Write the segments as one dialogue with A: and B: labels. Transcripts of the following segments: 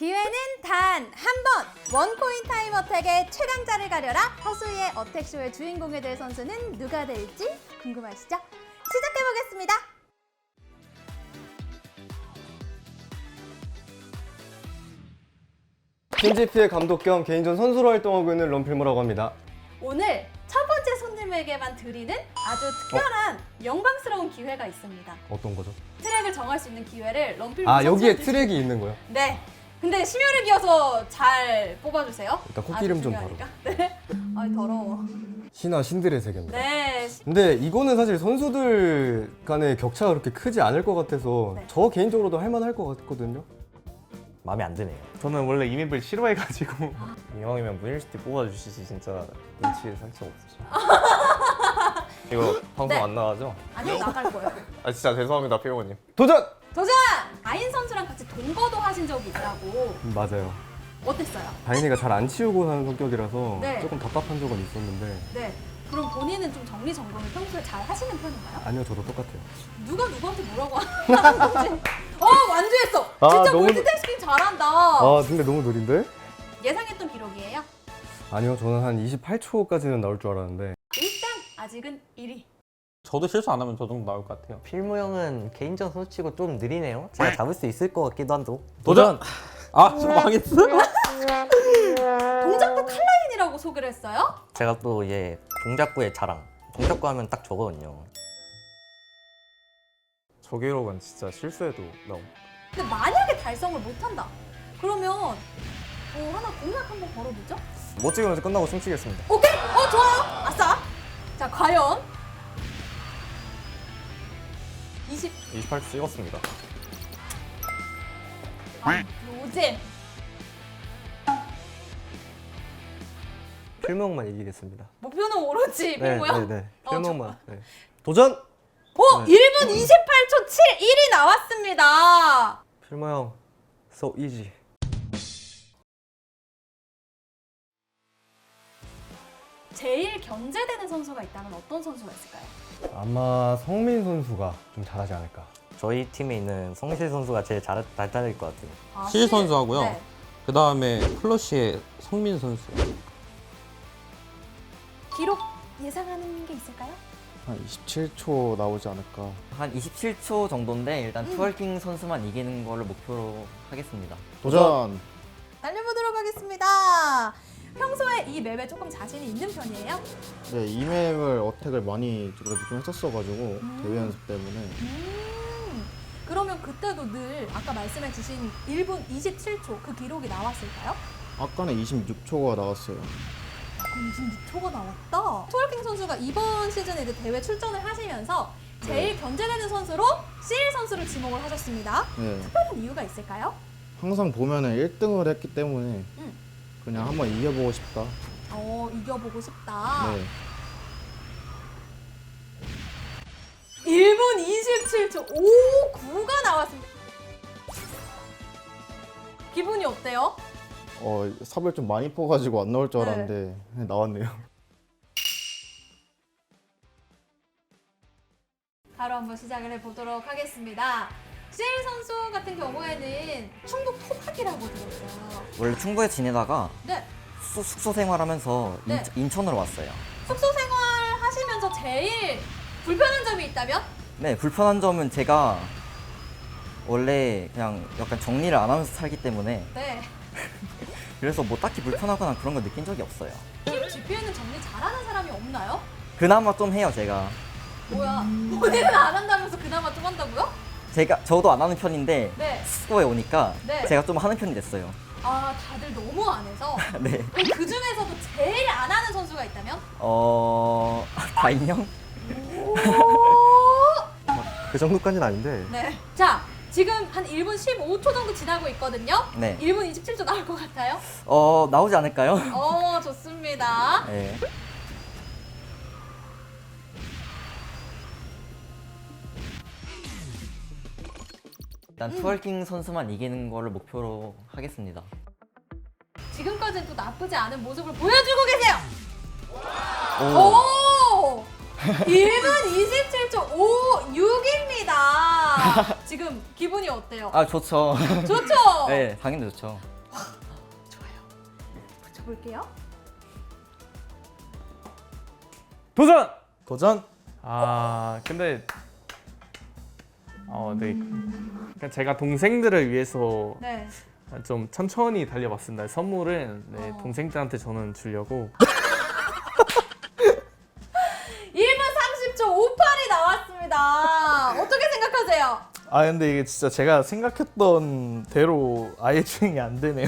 A: 기회는 단 한 번! 원코인 타임 어택의 최강자를 가려라! 허수이의 어택쇼의 주인공이 될 선수는 누가 될지 궁금하시죠? 시작해보겠습니다!
B: 팀GP의 감독 겸 개인전 선수로 활동하고 있는 런필모라고 합니다.
A: 오늘 첫 번째 손님에게만 드리는 아주 특별한 영광스러운 기회가 있습니다.
B: 어떤 거죠?
A: 트랙을 정할 수 있는 기회를 런필모
B: 아, 여기에
A: 선수한테
B: 트랙이 있는 거요?
A: 네. 근데 심혈을 기어서 잘 뽑아주세요.
B: 일단 코끼름 좀
A: 중요하니까. 네. 아 더러워.
B: 신화 신들의 세계입니다.
A: 네.
B: 근데 이거는 사실 선수들 간의 격차가 그렇게 크지 않을 것 같아서
A: 네.
B: 저 개인적으로도 할만할 것 같거든요.
C: 마음에 안 드네요. 저는 원래 이 맵을 싫어해가지고 이왕이면 문일시티 뽑아주시지 진짜 눈치를 살짝 없으시죠. 이거 방송
A: 네.
C: 안 나가죠?
A: 아니요 나갈 거예요.
C: 아 진짜 죄송합니다 피오님.
B: 도전!
A: 도전! 아인 선수랑 같이 동거도 하신 적이 있다고.
B: 맞아요.
A: 어땠어요?
B: 다인이가 잘 안 치우고 사는 성격이라서
A: 네.
B: 조금 답답한 적은 있었는데
A: 네. 그럼 본인은 좀 정리정돈을 평소에 잘 하시는 편인가요?
B: 아니요, 저도 똑같아요.
A: 누가 누구한테 뭐라고 하는 건지. 완주했어!
B: 아,
A: 진짜
B: 너무
A: 멀티태스킹 잘한다.
B: 아, 근데 너무 느린데?
A: 예상했던 기록이에요?
B: 아니요, 저는 한 28초까지는 나올 줄 알았는데
A: 일단 아직은 1위.
C: 저도 실수 안 하면 저 정도 나올 것 같아요.
D: 필모 형은 개인전 선수치고 좀 느리네요. 제가 잡을 수 있을 것 같기도 한데.
C: 도전! 아, 저 망했어?
A: 동작도 칼라인이라고 소개를 했어요?
D: 제가 또 이제 동작구의 자랑. 동작구 하면 딱 저거든요.
C: 저 기록은 진짜 실수해도 나옴.
A: 근데 만약에 달성을 못한다. 그러면 하나 공약 한번 걸어보죠?
C: 못 찍으면서 끝나고 춤추겠습니다.
A: 오케이? 좋아요. 아싸. 자, 과연
C: 28초 찍었습니다.
A: 노잼.
D: 필모 형만 이기겠습니다.
A: 목표는 오로지 필모야?
D: 네.
A: 어,
D: 필모 형만. 네.
B: 도전!
A: 1분 28초 7, 1이 나왔습니다.
D: 필모 형, so easy.
A: 제일 견제되는 선수가 있다면 어떤 선수가 있을까요?
B: 아마 성민 선수가 좀 잘하지 않을까.
D: 저희 팀에 있는 성실 선수가 제일 잘 달릴 것 같아요.
E: 실 선수하고요.
A: 네.
E: 그 다음에 플러시의 성민 선수.
A: 기록 예상하는 게 있을까요?
F: 한 27초 나오지 않을까.
G: 한 27초 정도인데 일단 트월킹 선수만 이기는 거를 목표로 하겠습니다.
F: 도전!
A: 달려보도록 하겠습니다. 평소에 이 맵에 조금 자신이 있는 편이에요?
F: 네, 이 맵을 어택을 많이 그래도 좀 했었어가지고 대회 연습 때문에.
A: 그러면 그때도 늘 아까 말씀해 주신 1분 27초 그 기록이 나왔을까요?
F: 아까는 26초가 나왔어요.
A: 26초가 나왔다. 트월킹 선수가 이번 시즌에 이제 대회 출전을 하시면서 제일 견제되는 선수로 CL 선수를 지목을 하셨습니다.
F: 네,
A: 특별한 이유가 있을까요?
F: 항상 보면은 1등을 했기 때문에 그냥 한번 이겨보고 싶다.
A: 이겨보고 싶다.
F: 네.
A: 1분 27초 59가 나왔습니다. 기분이 어때요?
F: 삽을 좀 많이 퍼가지고 안 나올 줄 알았는데 나왔네요.
A: 바로 한번 시작을 해보도록 하겠습니다. CL 선수 같은 경우에는 충북 토박이라고 들었어요.
G: 원래 충북에 지내다가
A: 네.
G: 숙소 생활하면서
A: 네.
G: 인천으로 왔어요.
A: 숙소 생활 하시면서 제일 불편한 점이 있다면?
G: 네, 불편한 점은 제가 원래 그냥 약간 정리를 안 하면서 살기 때문에
A: 네.
G: 그래서 뭐 딱히 불편하거나 그런 거 느낀 적이 없어요.
A: 팀 GP에는 정리 잘하는 사람이 없나요?
G: 그나마 좀 해요, 제가.
A: 뭐야? 본인은 안 한다면서 그나마 좀 한다고요?
G: 저도 안 하는 편인데
A: 네.
G: 숙소에 오니까
A: 네.
G: 제가 좀 하는 편이 됐어요.
A: 다들 너무 안 해서.
G: 네.
A: 그럼 그 중에서도 제일 안 하는 선수가 있다면?
G: 다인형?
D: 그 정도까지는 아닌데.
A: 네. 자, 지금 한 1분 15초 정도 지나고 있거든요.
G: 네.
A: 1분 27초 나올 것 같아요.
G: 나오지 않을까요?
A: 좋습니다.
G: 네. 일단 트월킹 선수만 이기는 거를 목표로 하겠습니다.
A: 지금까지는 또 나쁘지 않은 모습을 보여주고 계세요.
G: 오!
A: 1분 27초 56입니다. 지금 기분이 어때요?
G: 좋죠.
A: 좋죠?
G: 네, 당연히 좋죠.
A: 가볼게요.
C: 도전!
F: 도전.
C: 근데 네. 그러니까 제가 동생들을 위해서
A: 네.
C: 좀 천천히 달려봤습니다. 선물은 동생들한테 저는 주려고.
A: 1분 30초 58이 나왔습니다. 어떻게 생각하세요?
H: 근데 이게 진짜 제가 생각했던 대로 아예 주행이 안 되네요.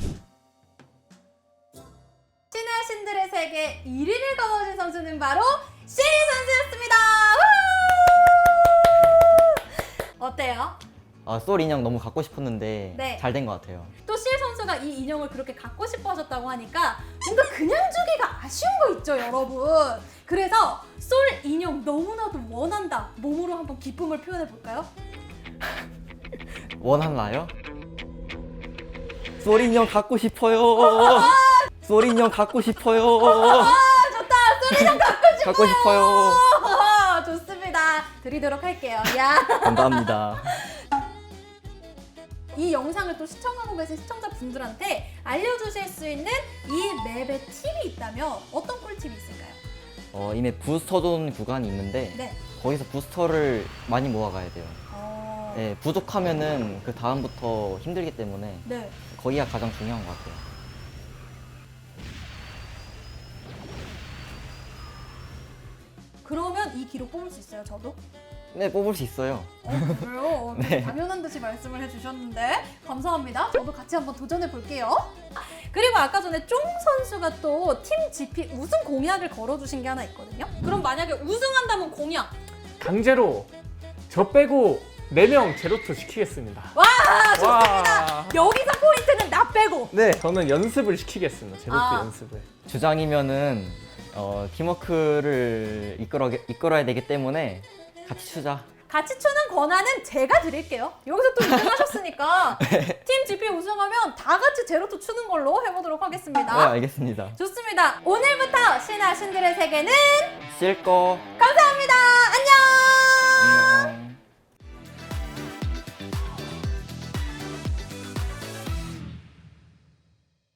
A: 신의 신들의 세계 1위를 거머쥔 선수는 바로 시 선수였습니다. 우! 어때요?
G: 솔 인형 너무 갖고 싶었는데
A: 네.
G: 잘 된 것 같아요.
A: 또 실 선수가 이 인형을 그렇게 갖고 싶어 하셨다고 하니까 뭔가 그냥 주기가 아쉬운 거 있죠, 여러분. 그래서 솔 인형 너무나도 원한다. 몸으로 한번 기쁨을 표현해 볼까요?
G: 원하나요? 솔 인형 갖고 싶어요. 솔 인형 갖고 싶어요.
A: 좋다. 솔 인형
G: 갖고 싶어요.
A: 좋습니다. 드리도록 할게요. 야.
G: 감사합니다.
A: 이 영상을 또 시청하고 계신 시청자분들한테 알려주실 수 있는 이 맵의 팁이 있다면 어떤 꿀팁이 있을까요?
G: 이 맵 부스터존 구간이 있는데
A: 네.
G: 거기서 부스터를 많이 모아가야 돼요.
A: 어...
G: 네, 부족하면은 그 다음부터 힘들기 때문에
A: 네.
G: 거기가 가장 중요한 것 같아요.
A: 그러면 이 기록 뽑을 수 있어요, 저도?
G: 네, 뽑을 수 있어요.
A: 그래요?
G: 네.
A: 당연한 듯이 말씀을 해주셨는데 감사합니다. 저도 같이 한번 도전해 볼게요. 그리고 아까 전에 쫑 선수가 또 팀 GP 우승 공약을 걸어주신 게 하나 있거든요. 그럼 만약에 우승한다면 공약.
C: 강제로 저 빼고 4명 제로투 시키겠습니다.
A: 와, 좋습니다. 여기서 포인트는 나 빼고.
C: 네, 저는 연습을 시키겠습니다. 제로투
A: 아.
C: 연습을.
G: 주장이면은 팀워크를 이끌어야 되기 때문에 같이 추자.
A: 같이 추는 권한은 제가 드릴게요. 여기서 또 우승하셨으니까 팀 GP 우승하면 다 같이 제로투 추는 걸로 해보도록 하겠습니다.
G: 네, 알겠습니다.
A: 좋습니다. 오늘부터 신아 신들의 세계는
G: 실거
A: 감사합니다. 안녕.